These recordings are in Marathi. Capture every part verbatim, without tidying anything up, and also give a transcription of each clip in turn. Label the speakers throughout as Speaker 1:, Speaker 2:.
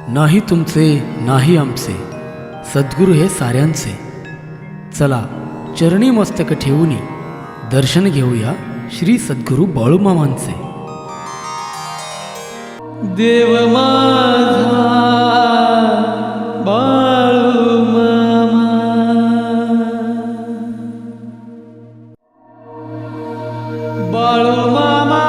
Speaker 1: नाही तुमचे नाही आमचे, सद्गुरू हे साऱ्यांचे. चला चरणी मस्तक ठेवूनी दर्शन घेऊया श्री सद्गुरू बाळूमामांचे. देव माझा बाळूमामा, बाळूमामा.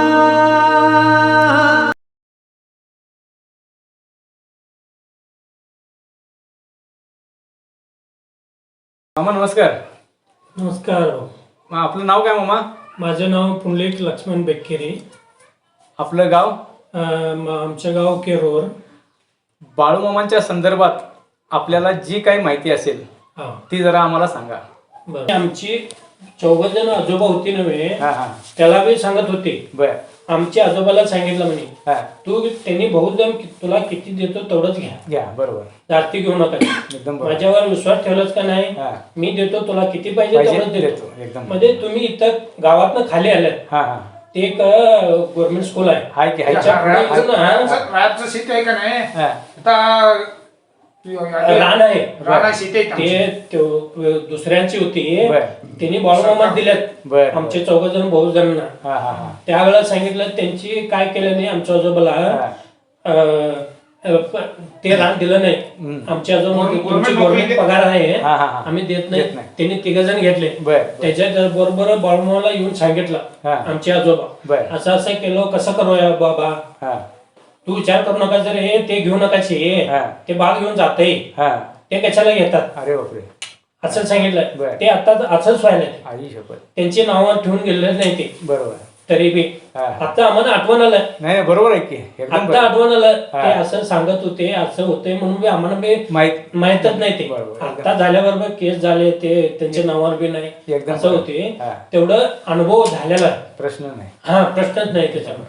Speaker 2: मामा नमस्कार.
Speaker 3: नमस्कार.
Speaker 2: मग आपलं नाव काय मामा?
Speaker 3: माझं नाव पुंडलिक लक्ष्मण बेक्केरी.
Speaker 2: आपलं गाव?
Speaker 3: अं, आमचं गाव केरोर.
Speaker 2: बाळूमामांच्या संदर्भात आपल्याला जी काही माहिती असेल
Speaker 3: हा
Speaker 2: ती जरा आम्हाला सांगा.
Speaker 3: बरं. आमची चौघ जण आजोबा होती नव्हे,
Speaker 2: हा हा
Speaker 3: त्याला बी सांगत होते.
Speaker 2: बर.
Speaker 3: आमच्या आजोबाला सांगितलं म्हणे,
Speaker 2: हा
Speaker 3: तू त्यांनी बहुत जण तुला किती देतो तेवढंच घ्या,
Speaker 2: घ्या. बरोबर.
Speaker 3: जास्ती घेऊ नका.
Speaker 2: एकदम बरोबर.
Speaker 3: माझ्यावर विश्वास ठेवलाच का नाही?
Speaker 2: हा
Speaker 3: मी देतो तुला किती पाहिजे
Speaker 2: पाहिजे
Speaker 3: तेवढंच देतो.
Speaker 2: देतो. एकदम
Speaker 3: मध्ये तुम्ही इथं गावातनं खाली आल्यात,
Speaker 2: हा हा
Speaker 3: ते एक गव्हर्नमेंट स्कूल आहे.
Speaker 2: हाय की हाय की?
Speaker 3: त्याच्या पुढे इथं ना
Speaker 4: रातचं सीट आहे का नाही
Speaker 2: हा
Speaker 4: आता
Speaker 3: रान आहे.
Speaker 4: राणा सीट आहे
Speaker 3: ते त्यो- दुसऱ्यांची होती,
Speaker 2: बर.
Speaker 3: त्यांनी बाळूमामा दिल्यात
Speaker 2: बर.
Speaker 3: आमचे चौघ जण भाऊ जणांना.
Speaker 2: हा हा हा
Speaker 3: त्यावेळेला सांगितलं त्यांची काय केलं नाही. आमच्या आजोबाला अं, अं, प- ते रान दिलं नाही.
Speaker 2: हम्म.
Speaker 3: आमच्या आजोबा
Speaker 4: गव्हर्नमेंट
Speaker 3: तुमची
Speaker 4: नोकरी
Speaker 3: गव्हर्नमेंट पगार आहे,
Speaker 2: हा, हा, हा.
Speaker 3: आम्ही देत
Speaker 2: देत
Speaker 3: नाही.
Speaker 2: नाही.
Speaker 3: त्यांनी तिघ जण घेतले.
Speaker 2: बर बर.
Speaker 3: त्याच्या बरोबर बाळूमामाला येऊन सांगितलं
Speaker 2: हा.
Speaker 3: आमचे आजोबा,
Speaker 2: बर.
Speaker 3: असं असं केलं, कसं करूया बाबा,
Speaker 2: हा
Speaker 3: तू विचार करू नका. जर हे ते घेऊ नकाचे,
Speaker 2: हा.
Speaker 3: ते बाळ घेऊन जाते,
Speaker 2: हा
Speaker 3: ते कशाला घेतात
Speaker 2: अरे बापरे.
Speaker 3: असं सांगितलं.
Speaker 2: बर.
Speaker 3: ते आता असंच व्हायला,
Speaker 2: आई शपथ.
Speaker 3: त्यांची नावं ठेवून गेलेले नाही ते.
Speaker 2: बरोबर.
Speaker 3: तरी बी
Speaker 2: हा.
Speaker 3: आता आम्हाला आठवण आलं,
Speaker 2: नाही नाही, बरोबर आहे की. एकदम
Speaker 3: आता
Speaker 2: बरोबर.
Speaker 3: आठवण आलं.
Speaker 2: हा.
Speaker 3: ते असं सांगत होते, असं होते म्हणून बी आम्हाला बी
Speaker 2: माहित
Speaker 3: माहितच नाही ते.
Speaker 2: बरोबर.
Speaker 3: आता झाल्याबरोबर केस झाले, ते त्यांच्या नावावर बी नाही
Speaker 2: एकदम
Speaker 3: असं
Speaker 2: बरोबर.
Speaker 3: होते.
Speaker 2: हा.
Speaker 3: तेवढं अनुभव झालेला आहे.
Speaker 2: प्रश्न नाही.
Speaker 3: हा प्रश्नच नाही त्याच्यावर.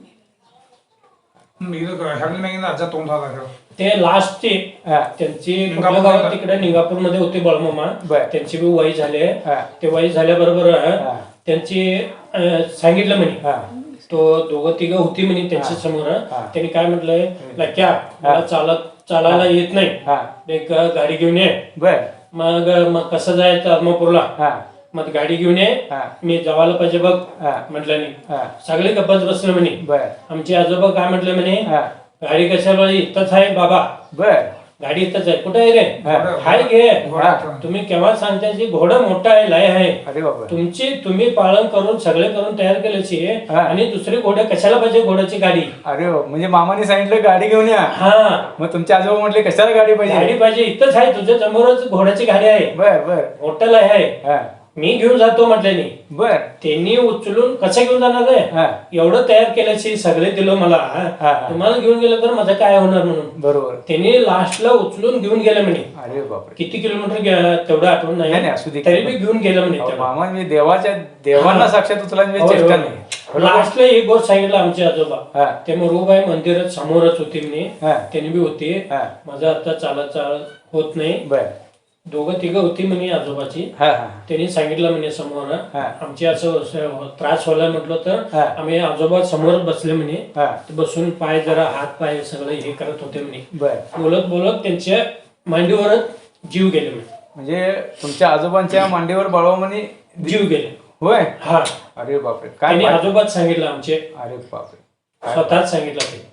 Speaker 4: ह्या तोंड झाला
Speaker 3: ते लास्टचे
Speaker 2: हा
Speaker 3: त्यांची
Speaker 4: निंगापूर
Speaker 3: कुठल्या गावात
Speaker 4: मध्ये.
Speaker 3: तिकडे निंगापूर मध्ये होते बाळूमामा.
Speaker 2: बर.
Speaker 3: त्यांची बी वय झाले.
Speaker 2: हा.
Speaker 3: ते वय झाल्याबरोबर
Speaker 2: हा.
Speaker 3: त्यांची अं, सांगितलं म्हणे,
Speaker 2: हा
Speaker 3: तो दोघं तिघं होती म्हणे त्यांच्या समोर.
Speaker 2: हा.
Speaker 3: त्यांनी काय म्हटलंय, लक्या मला चालत चालायला येत नाही,
Speaker 2: हा
Speaker 3: एक गाडी घेऊन ये.
Speaker 2: बर.
Speaker 3: मग मग कसं जायचं आदमापूरला?
Speaker 2: हा
Speaker 3: मग गाडी घेऊन ये,
Speaker 2: हा
Speaker 3: मी जवायला पाहिजे बघ
Speaker 2: हा
Speaker 3: म्हटलं नाही.
Speaker 2: हा
Speaker 3: सगळे गप्पच बसले म्हणे.
Speaker 2: बर.
Speaker 3: आमचे आजोबा काय म्हटले म्हणे,
Speaker 2: हा
Speaker 3: गाडी कशाला इथंच आहे बाबा,
Speaker 2: बर.
Speaker 3: गाडी इथंच आहे. कुठे आहे रे?
Speaker 2: हा.
Speaker 3: हाय घे.
Speaker 2: हा.
Speaker 3: तुम्ही केव्हा सांगता जी घोडा मोठा आहे, लय आहे
Speaker 2: अरे बाबा.
Speaker 3: तुमची, तुम्ही पालन करून सगळे करून तयार केल्याची,
Speaker 2: हा.
Speaker 3: आणि दुसरी घोडे कशाला पाहिजे घोड्याची गाडी?
Speaker 2: अरे बाबा, म्हणजे मामाने सांगितलं गाडी घेऊन या.
Speaker 3: हा
Speaker 2: मग तुमचे आजोबा म्हटले कशाला गाडी
Speaker 3: गाडी
Speaker 2: पाहिजे?
Speaker 3: पाहिजे, इथंच आहे तुझ्या समोरच घोड्याची गाडी आहे,
Speaker 2: बर बर.
Speaker 3: हॉटेल आहे,
Speaker 2: हा
Speaker 3: मी घेऊन जातो म्हटल्याने.
Speaker 2: बर.
Speaker 3: त्यांनी उचलून कसं घेऊन जाणार आहे?
Speaker 2: हा
Speaker 3: एवढं तयार केल्याची सगळे दिलं मला,
Speaker 2: हा.
Speaker 3: तुम्हाला घेऊन गेलं तर माझं काय होणार म्हणून.
Speaker 2: बरोबर.
Speaker 3: त्यांनी लास्टला उचलून घेऊन गेले म्हणे.
Speaker 2: अरे बापरे.
Speaker 3: किती किलोमीटर गे- तेवढं आठवण
Speaker 2: नाही, नाही,
Speaker 3: नाही,
Speaker 2: असू दे.
Speaker 3: तरी बी घेऊन गेलं म्हणे.
Speaker 2: अहो,
Speaker 3: तेव्हा.
Speaker 2: मामा मी देवाच्या देवांना
Speaker 3: हा.
Speaker 2: साक्षात उचला
Speaker 3: होय,
Speaker 2: चेष्टा
Speaker 3: होय.
Speaker 2: नाही. बरोबर?
Speaker 3: लास्टला एक गोष्ट सांगितलं आमचे आजोबा,
Speaker 2: हा
Speaker 3: ते मरुबाई मंदिरात समोरच होते म्हणे.
Speaker 2: हा
Speaker 3: त्यांनी बी होते.
Speaker 2: हा
Speaker 3: माझं आता चालत चालत होत नाही.
Speaker 2: बर.
Speaker 3: दोघं तिघं होती म्हणे आजोबाची.
Speaker 2: हा हा
Speaker 3: त्यांनी सांगितलं म्हणे समोर,
Speaker 2: हा.
Speaker 3: आमची असं असं त्रास व्हायला म्हटलं तर
Speaker 2: हा.
Speaker 3: आम्ही आजोबा समोर बसले म्हणे.
Speaker 2: हा
Speaker 3: ते बसून पाय जरा हात पाय सगळे हे करत होते म्हणे.
Speaker 2: बर.
Speaker 3: बोलत बोलत त्यांच्या मांडीवरच जीव गेले म्हणे.
Speaker 2: म्हणजे तुमच्या आजोबांच्या मांडीवर बाळूमामाने
Speaker 3: जीव गेले.
Speaker 2: होय.
Speaker 3: हा
Speaker 2: अरे बापरे. काय
Speaker 3: त्यांनी
Speaker 2: बात-
Speaker 3: आजोबाच सांगितलं आमचे,
Speaker 2: अरे बापरे. काय
Speaker 3: स्वतःच सांगितलं ते.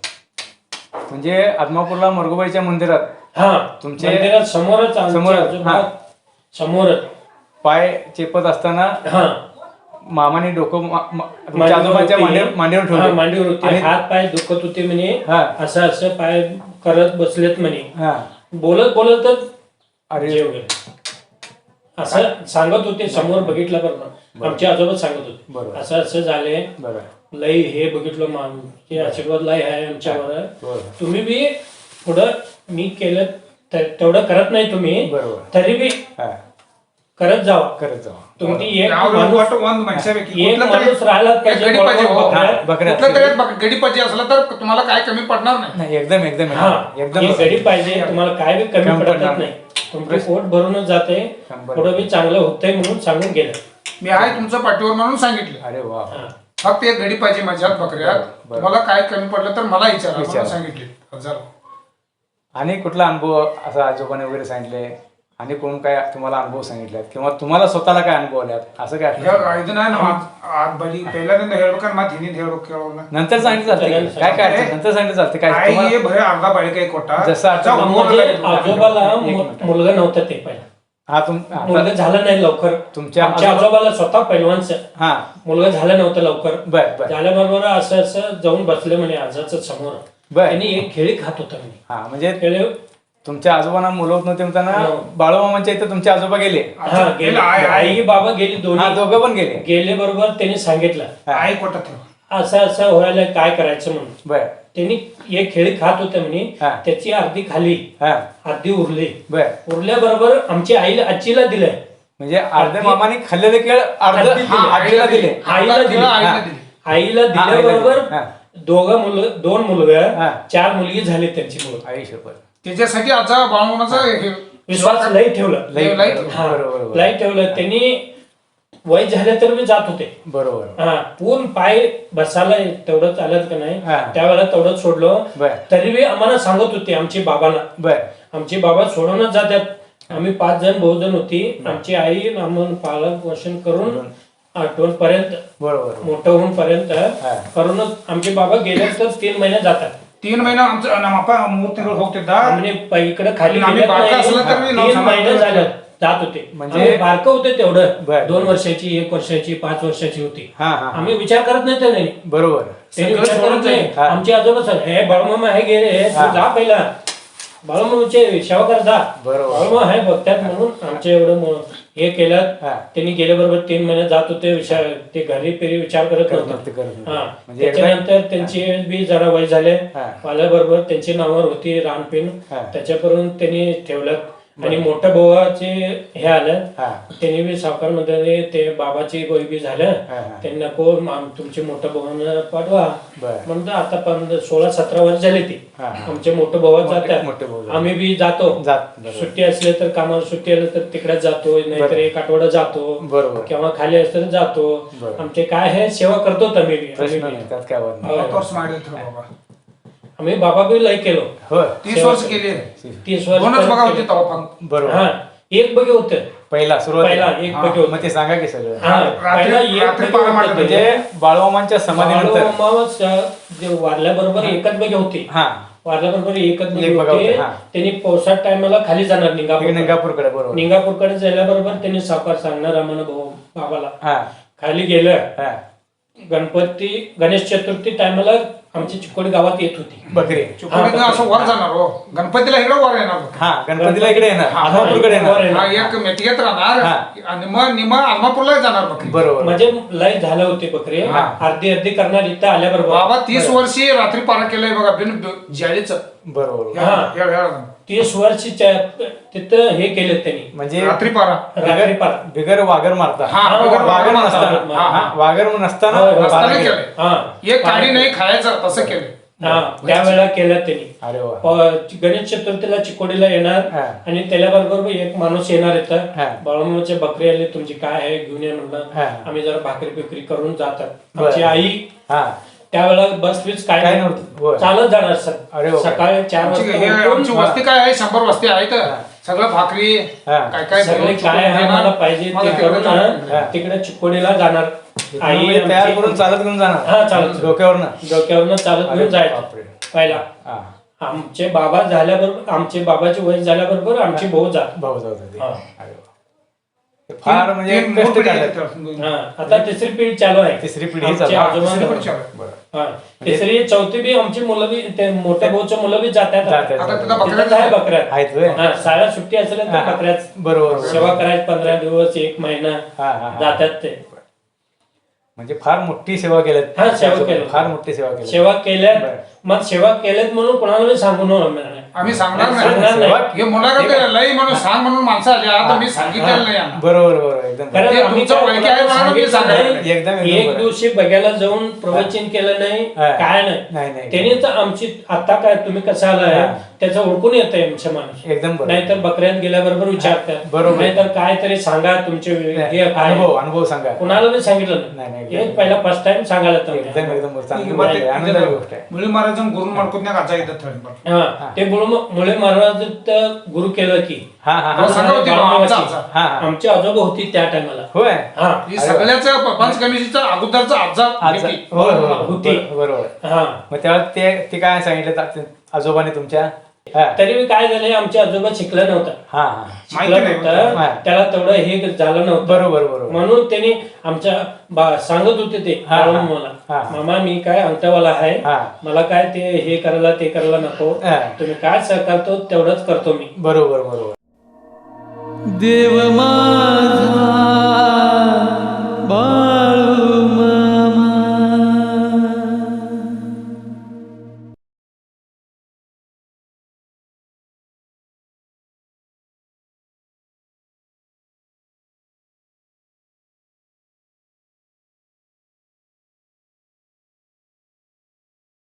Speaker 2: म्हणजे आदमापूरला मरगुबाईच्या मंदिरात
Speaker 3: हा
Speaker 2: तुमचे-
Speaker 3: मंदिरात समोरच आमचे
Speaker 2: समोरच,
Speaker 3: आजोबा
Speaker 2: हा.
Speaker 3: समोरच.
Speaker 2: पाय चेपत असताना
Speaker 3: हा
Speaker 2: मामाने डोकं मा- मा- तुमच्या
Speaker 3: मांडीवर
Speaker 2: आजोबांच्या
Speaker 3: होते.
Speaker 2: मांडीवर मांडीवर
Speaker 3: हा,
Speaker 2: ठेवलं.
Speaker 3: मांडीवर होते.
Speaker 2: आणि-
Speaker 3: हात पाय दुखत होते म्हणे.
Speaker 2: हा.
Speaker 3: असं असं पाय करत बसलेत म्हणे.
Speaker 2: हा
Speaker 3: बोलत बोलतच
Speaker 2: अरे
Speaker 3: जेव गेले. असं सांगत होते समोर बघितलं बरोबर. आमचे आजोबा सांगत होते
Speaker 2: बरोबर.
Speaker 3: असं असं झाले,
Speaker 2: बरं
Speaker 3: लय हे बघितलं मा- ते आशीर्वाद लय आहे आमच्यावर.
Speaker 2: बरोबर.
Speaker 3: तुम्ही बी पुढं मी केलं तर तेवढं करत नाही तुम्ही,
Speaker 2: बरोबर.
Speaker 3: तरी बी
Speaker 2: हा
Speaker 3: करत जावा.
Speaker 2: करत जाऊ.
Speaker 3: तुमची एक माणूस
Speaker 4: माणसापैकी
Speaker 3: एक
Speaker 4: कुठलं तरी
Speaker 3: माणूस राहिला
Speaker 4: एक गडी पाहिजे हो.
Speaker 3: बकऱ्या-
Speaker 2: बकऱ्या
Speaker 4: कुठलं तरी एक गडी पाहिजे असला तर तुम्हाला काय कमी पडणार नाही.
Speaker 2: नाही एकदम एकदम
Speaker 3: हा
Speaker 2: एकदम
Speaker 3: ही गडी पाहिजे तुम्हाला, काय बी कमी
Speaker 2: कमी
Speaker 3: पडत
Speaker 2: पडणार
Speaker 3: नाही. तुमचं पोट भरूनच जाते,
Speaker 2: शंभर.
Speaker 3: पुढं बी चांगलं होतंय म्हणून सांगून गेलं.
Speaker 4: मी आहे तुमचं पाठीवर म्हणून सांगितलं.
Speaker 2: अरे वा.
Speaker 3: हा.
Speaker 4: फक्त एक घडी पाहिजे माझ्यात बकऱ्यात.
Speaker 2: बरं.
Speaker 4: तुम्हाला काय कमी पडलं तर मला विचारा
Speaker 2: विचारा.
Speaker 4: म्हणून सांगितले. हजार
Speaker 2: आणि कुठला अनुभव असा आजोबाने वगैरे सांगितले आणि कोण काय तुम्हाला अनुभव सांगितलेत किंवा तुम्हाला स्वतःला काय अनुभव आल्यात असं काय
Speaker 4: ಈಗ ಇದನ್ನ ಆದ್ ಬಳಿ पहिल्यांदा ಹೇಳ್ಬೇಕಾದ್ರೆ ಮತ್ತೆ ಹಿಂದಿನ ಹೇಳ್ಬೇಕು ಕೇಳೋಣ
Speaker 2: नंतर सांगितलं चालते काय काय अडचण? नंतर सांगितलं चालते काय
Speaker 4: आई
Speaker 2: तुम्हाला-
Speaker 4: हे भरे अर्धा बाळी कोटा
Speaker 2: जसं आता
Speaker 3: म्हणजे आजोबाला मु- मुलगा नव्हता ते पहिला
Speaker 2: हा तुम आता
Speaker 3: मुलगा झाला नाही लवकर
Speaker 2: तुमच्या
Speaker 3: आमच्या आजोबाला स्वतः पैलवानच
Speaker 2: हा
Speaker 3: मुलगा झाला नव्हता लवकर
Speaker 2: बर बर
Speaker 3: झाल्याबरोबर असं असं जाऊन बसले म्हणे आजाचं समोर
Speaker 2: बर.
Speaker 3: त्यांनी एक खेळी खात होता म्हणे
Speaker 2: हा म्हणजे
Speaker 3: खेळे
Speaker 2: तुमच्या आजोबांना मुलं होत नव्हते म्हणताना
Speaker 3: हो.
Speaker 2: बाळूमामांच्या इथे तुमचे आजोबा गेले
Speaker 3: हा गेले
Speaker 4: आई- आई-
Speaker 3: आई बाबा गेली
Speaker 2: हा
Speaker 3: दोन्ही
Speaker 2: दोघं पण गेले
Speaker 3: गेले बरोबर त्यांनी सांगितलं
Speaker 4: आई कोटा ठेव
Speaker 3: असं असं व्हायला काय करायचं म्हणून
Speaker 2: बर
Speaker 3: त्यांनी एक खेळी खात होते म्हणे
Speaker 2: हा.
Speaker 3: त्याची अर्धी खाली
Speaker 2: हा
Speaker 3: अर्धी उरली
Speaker 2: बर
Speaker 3: उरल्याबरोबर आमची आईला आजीला दिलंय
Speaker 2: म्हणजे अर्धे मामाने खाल्लेले केळ अर्ध
Speaker 3: अर्धी दिली.
Speaker 2: आजीला दिले
Speaker 3: आईला
Speaker 4: अर्धा
Speaker 3: दिली
Speaker 4: केळं आईला
Speaker 2: हा.
Speaker 4: दिली.
Speaker 3: आईला
Speaker 2: हा, आईला
Speaker 3: दिल्याबरोबर
Speaker 2: दिली. हा.
Speaker 3: दोघं मुलं दोन मुलगा
Speaker 2: हा.
Speaker 3: चार मुलगी झाली त्यांची मुलं
Speaker 2: आई शपथ
Speaker 4: त्याच्यासाठी आजा बाळमामाचा हे
Speaker 3: विश्वास लई ठेवलं
Speaker 2: लई
Speaker 4: लई-
Speaker 3: हा,
Speaker 2: बरोबर बरोबर.
Speaker 3: लई ठेवलं त्यांनी वय झाले तर मी जात होते
Speaker 2: बरोबर
Speaker 3: हा पूर्ण पाय बसायला तेवढं चालत का नाही
Speaker 2: हा.
Speaker 3: त्यावेळेला तेवढं सोडलं
Speaker 2: बर
Speaker 3: तरी बी आम्हाला सांगत होते आमची बाबांना
Speaker 2: बर
Speaker 3: आमचे बाबा सोडवूनच जातात आम्ही पाच जण बहु जण होती आमची आई आम्हाला पालन पोषण करून आठवण पर्यंत
Speaker 2: बरोबर
Speaker 3: मोठं होऊन पर्यंत
Speaker 2: हा.
Speaker 3: करूनच आमचे बाबा गेले तर तीन महिने जातात
Speaker 4: तीन महिना आमचं ನಮ್ಮ ಅಪ್ಪ ಮೂರ್ ತಿಂಗಳು ಹೋಗ್ತಿದ್ದ
Speaker 3: आम्ही प- इकडे खाली
Speaker 4: आम्ही
Speaker 3: गेलेत
Speaker 4: बारकं
Speaker 3: नाही.
Speaker 4: असलं तर मी नऊ
Speaker 3: तीन
Speaker 4: सहा
Speaker 3: महिने
Speaker 4: महिने
Speaker 3: झाले जात होते
Speaker 2: म्हणजे-
Speaker 3: म्हणजे बारकं होते तेवढं
Speaker 2: बर.
Speaker 3: दोन वर्षाची एक वर्षाची पाच वर्षाची होती
Speaker 2: हा हा हा.
Speaker 3: आम्ही विचार करत नाही त्याने
Speaker 2: बरोबर
Speaker 3: त्यांनी
Speaker 4: सगळं
Speaker 3: विचार करत
Speaker 4: सोडून
Speaker 3: नाही
Speaker 2: हा.
Speaker 3: आमचे आजोबा सर हे बाळूमामा हे गेले तू
Speaker 2: हा.
Speaker 3: जा पहिला बाळूमामाचे सेवा कर जा
Speaker 2: बरोबर.
Speaker 3: बाळूमामा हे बघतात म्हणून आमचे एवढं मो- हे केलं
Speaker 2: हा.
Speaker 3: त्यांनी गेल्याबरोबर तीन महिने जात होते विचार ते घरी पेरी विचार करत
Speaker 2: करत
Speaker 3: नव्हते
Speaker 2: नव्हते, करत नव्हते.
Speaker 3: हा.
Speaker 2: म्हणजे एकदा-
Speaker 3: त्याच्यानंतर त्यांची बी जरा वय झाले
Speaker 2: हा.
Speaker 3: वाल्याबरोबर त्यांची नावावर होती रानपिन
Speaker 2: हा.
Speaker 3: त्याच्यापर्यंत त्यांनी ठेवलं आणि मोठ्या भावाचे हे आलं
Speaker 2: हा
Speaker 3: त्यांनी बी सावकार मध्ये ते बाबाची गोई बी झालं
Speaker 2: हा, हा.
Speaker 3: त्यांना कोण आम- तुमचे मोठ्या भावानं पाठवा
Speaker 2: बर
Speaker 3: म्हणतो आता पंधरा सोळा सतरा वर्ष झाले ते
Speaker 2: हा, हा.
Speaker 3: आमचे मोठे भाऊ
Speaker 2: मोठे-
Speaker 3: जातात
Speaker 2: मोठे भाऊ जातात.
Speaker 3: आम्ही बी जातो
Speaker 2: जात बरोबर.
Speaker 3: सुट्टी असले तर कामाला सुट्टी आली तर तिकडे जातो नाहीतर
Speaker 2: बरं.
Speaker 3: एक आठवडा जातो
Speaker 2: बरोबर.
Speaker 3: किंवा खाली असलं तर जातो
Speaker 2: बरं.
Speaker 3: आमचे काय आहे सेवा करतो आम्ही बी. आम्ही
Speaker 2: प्रश्न
Speaker 3: बी.
Speaker 2: नाही त्यात काय वाद नाही.
Speaker 3: हो.
Speaker 4: ಹತ್ತು ವರ್ಷ ಮಾಡಿದ್ರು बाबा
Speaker 3: आम्ही बाबा बी लय केलो
Speaker 2: होय
Speaker 4: तीस वर्ष केली
Speaker 3: तीस वर्ष
Speaker 4: दोनच बघा होते
Speaker 3: केले.
Speaker 4: तेव्हा फक्त
Speaker 2: बरोबर
Speaker 3: हा एक बगे होते
Speaker 2: पहिला सुरुवात
Speaker 3: पहिला एक
Speaker 4: हा.
Speaker 3: बगे होते
Speaker 2: मग ते सांगा की सगळं
Speaker 3: हा,
Speaker 4: रात्री-
Speaker 3: पहिला एक
Speaker 4: रात्री
Speaker 3: बगे
Speaker 4: पारा
Speaker 3: होते.
Speaker 4: मारलं
Speaker 2: म्हणजे बाळूमामांच्या समाधीनंतर
Speaker 3: बाळूमामाच, जे वारल्याबरोबर एकच बगे होते
Speaker 2: हा
Speaker 3: वारल्याबरोबर एकच बगे
Speaker 2: एक बगे
Speaker 3: होते
Speaker 2: होते, हा.
Speaker 3: त्यांनी पावसाळ टायमाला खाली जाणार निंगापूर
Speaker 2: निंगापूरकडे बरोबर
Speaker 3: निंगापूरकडे जायल्याबरोबर त्यांनी सावकार सांगणार आम्हाला भाऊ बाबाला
Speaker 2: हा
Speaker 3: खाली गेलं
Speaker 2: हा
Speaker 3: गणपती गणेश चतुर्थी टायमाला आमची चिकोडी गावात येत होती
Speaker 2: बकरी
Speaker 4: चिकोडीनं असं वर जाणार हो गणपतीला इकडे वर येणार बघ.
Speaker 2: हा गणपतीला इकडे येणार आदमापूरकडे
Speaker 3: वर
Speaker 2: येणार
Speaker 3: येणार.
Speaker 4: हा एक मेटगेत राहणार
Speaker 2: हा.
Speaker 4: आणि मग निम आलमापूरला जाणार बकरी
Speaker 2: बरोबर
Speaker 3: म्हणजे लय झालं होते बकरी
Speaker 2: हा.
Speaker 3: अर्धी अर्धी करणार इथं आल्याबरोबर
Speaker 4: बाबा तीस वर्षी रात्री पारा केलंय बघा बिन जाळीच
Speaker 2: बरोबर
Speaker 3: हा. तीस वर्षीच्या तिथं हे केलं त्यांनी
Speaker 2: म्हणजे
Speaker 4: रात्री पारा
Speaker 3: रात्री पार
Speaker 2: बिगर वागर मारता
Speaker 4: हा,
Speaker 3: हा,
Speaker 4: बिगर
Speaker 2: वागर
Speaker 3: वागर
Speaker 2: नसताना
Speaker 3: मारता.
Speaker 2: हा, हा, वागर नसताना
Speaker 3: होय, होय.
Speaker 2: पारा
Speaker 4: रस्त्याने
Speaker 2: केलं.
Speaker 4: केलंय
Speaker 3: हा
Speaker 4: एक काडी नाही खायचं तसं केलंय
Speaker 3: हा त्यावेळेला केलं त्यांनी
Speaker 2: अरे वा
Speaker 3: प- गणेश चतुर्थीला चिकोडीला येणार
Speaker 2: हा.
Speaker 3: आणि त्याच्याबरोबर एक माणूस येणार येतं
Speaker 2: हा.
Speaker 3: बाळूमामाचे बकरी आले तुमची काय आहे घेऊन ये म्हणलं
Speaker 2: हा.
Speaker 3: आम्ही जरा भाकरी बिकरी करून जातात
Speaker 2: बरं.
Speaker 3: आमची आई
Speaker 2: हा
Speaker 3: त्यावेळेला बस बीस काय
Speaker 2: काय
Speaker 3: नाही.
Speaker 2: नव्हतं. होय.
Speaker 3: चालत जाणार
Speaker 2: अरे
Speaker 3: सर
Speaker 2: वा.
Speaker 3: सकाळी चार
Speaker 4: आमची हे
Speaker 3: वाजता
Speaker 4: आमची
Speaker 3: उठून
Speaker 4: वस्ती काय आहे शंभर वस्ती आहेत सगळं भाकरी
Speaker 2: हा.
Speaker 4: काय काय
Speaker 3: सगळे
Speaker 4: देऊन
Speaker 3: काय आहे
Speaker 4: देणार.
Speaker 3: मला पाहिजे ते
Speaker 4: मला
Speaker 3: करून
Speaker 4: तेवढं
Speaker 3: हा, तिकडे चिकोडीला जाणार आई
Speaker 2: म्हणजे तयार
Speaker 3: आमची-
Speaker 2: करून चालत घेऊन जाणार
Speaker 3: हा चालत
Speaker 2: डोक्यावरनं
Speaker 3: डोक्यावरनं चालत
Speaker 2: अरे
Speaker 3: घेऊन जायचं
Speaker 2: बापरे.
Speaker 3: पहिला
Speaker 2: हा
Speaker 3: आमचे बाबा झाल्याबरोबर आमचे बाबाचे वय झाल्याबरोबर आमची भाऊ जात
Speaker 2: भाऊ जाऊ होते.
Speaker 3: हा.
Speaker 2: अरे वा. ते फार म्हणजे
Speaker 4: तीन
Speaker 2: कष्ट
Speaker 4: मोठी
Speaker 2: काढले
Speaker 4: आहेत.
Speaker 3: हा आता तिसरी पिढी चालू आहे
Speaker 2: तिसरी पिढी
Speaker 3: आमचे
Speaker 2: चालू.
Speaker 3: आजोबा-
Speaker 4: तिसरी पिढी चालू आहे.
Speaker 2: बरं.
Speaker 3: हा. तिसरी चौथी बी आमची मुलं बी ते मोठ्या भाऊच्या मुलं बी जातात
Speaker 2: जातात.
Speaker 4: आता तिथं
Speaker 3: तिथंच
Speaker 4: बकऱ्या
Speaker 3: आहे बकऱ्यात
Speaker 2: आहेत व्हय?
Speaker 3: हा शाळा सुट्टी असेल तर
Speaker 2: हा.
Speaker 3: बकऱ्यात
Speaker 2: बरोबर
Speaker 3: सेवा करायची पंधरा दिवस एक महिना
Speaker 2: हा, हा, हा.
Speaker 3: जातात ते
Speaker 2: म्हणजे फार मोठी सेवा केल्यात
Speaker 3: हा, सेवा केली.
Speaker 2: फार मोठी सेवा केली
Speaker 3: सेवा केल्यात
Speaker 2: बरं.
Speaker 3: मग सेवा केल्यात म्हणून कोणाला सांगू नये
Speaker 4: आम्ही सांगणार
Speaker 3: सांगणार
Speaker 4: नाही
Speaker 3: नाही.
Speaker 4: हे मुलाखत लई म्हणून सांग म्हणून माणसं आली आता मी सांगितलेलं नाही यांना.
Speaker 2: बरोबर बरोबर एकदम
Speaker 3: कारण
Speaker 4: ते
Speaker 3: आम्ही
Speaker 4: तुमचं
Speaker 3: काय
Speaker 4: वैकी आहे म्हणून मी
Speaker 3: सांगितलं
Speaker 4: सांगणार
Speaker 3: नाही.
Speaker 4: नाही.
Speaker 2: एकदम एकदम
Speaker 3: एक
Speaker 2: बरोबर.
Speaker 3: दिवशी बघायला जाऊन प्रवचन केलं नाही
Speaker 2: हा.
Speaker 3: काय
Speaker 2: नाही,
Speaker 3: नाही
Speaker 2: नाही.
Speaker 3: त्यांनी तर आमची आता काय तुम्ही कसं आलाय
Speaker 2: हा.
Speaker 3: त्याचं ओळखून येतंय आमच्या माणूस.
Speaker 2: एकदम बरोबर.
Speaker 3: नाहीतर बकऱ्यात गेल्याबरोबर विचारतात,
Speaker 2: बरोबर.
Speaker 3: नाहीतर काय तरी सांगा तुमचे हे काय
Speaker 2: अनुभव अनुभव सांगा.
Speaker 3: कुणाला मी सांगितलं
Speaker 2: नाही, नाही,
Speaker 3: नाही, एक पहिला फर्स्ट टाइम सांगायला
Speaker 2: एकदम
Speaker 3: तुम्ही.
Speaker 2: एकदम चांगली
Speaker 4: ಈಗ
Speaker 2: गोष्ट
Speaker 4: ಮತ್ತೆ
Speaker 2: आहे, आनंदाची गोष्ट आहे.
Speaker 4: मुली महाराज गुरु ಮಾಡ್ಕೊತ್ನಾಗ ಅಜ್ಜ ಇದ್ದ ಹೇಳಿ
Speaker 3: हा ते बोलून मुळे महाराज गुरु केलं की
Speaker 2: हा हा हा
Speaker 4: हो, सांगा होते ना, आमचा आजा.
Speaker 2: हा, हा.
Speaker 3: आमची आजोबा होती त्या टायमाला.
Speaker 2: होय
Speaker 3: हा
Speaker 4: ही सगळ्याचा पंचकमिशीचा अगोदरचा आजा
Speaker 2: आज
Speaker 4: होती.
Speaker 2: होय होय
Speaker 3: होती.
Speaker 2: बरोबर.
Speaker 3: हा
Speaker 2: मग तेव्हा ते ते काय सांगितलं ता- आजोबाने तुमच्या हा
Speaker 3: तरी मी काय झालंय, आमचे आजोबा शिकलं नव्हतं
Speaker 2: हा हा
Speaker 4: माहिती
Speaker 3: शिकलं
Speaker 4: नाही.
Speaker 3: नव्हतं,
Speaker 2: हा.
Speaker 3: त्याला तेवढं हे झालं नव्हतं.
Speaker 2: बरोबर बरोबर
Speaker 3: म्हणून त्यांनी आमच्या बा- सांगत होते ते
Speaker 2: हा, हा.
Speaker 3: बाळून मला,
Speaker 2: हा.
Speaker 3: मामा मी काय अंगठावाला आहे,
Speaker 2: हा.
Speaker 3: मला काय ते हे करायला ते करायला नको,
Speaker 2: हा.
Speaker 3: तुम्ही काय सहकारतो तेवढंच करतो मी.
Speaker 2: बरोबर बरोबर.
Speaker 1: देव माझा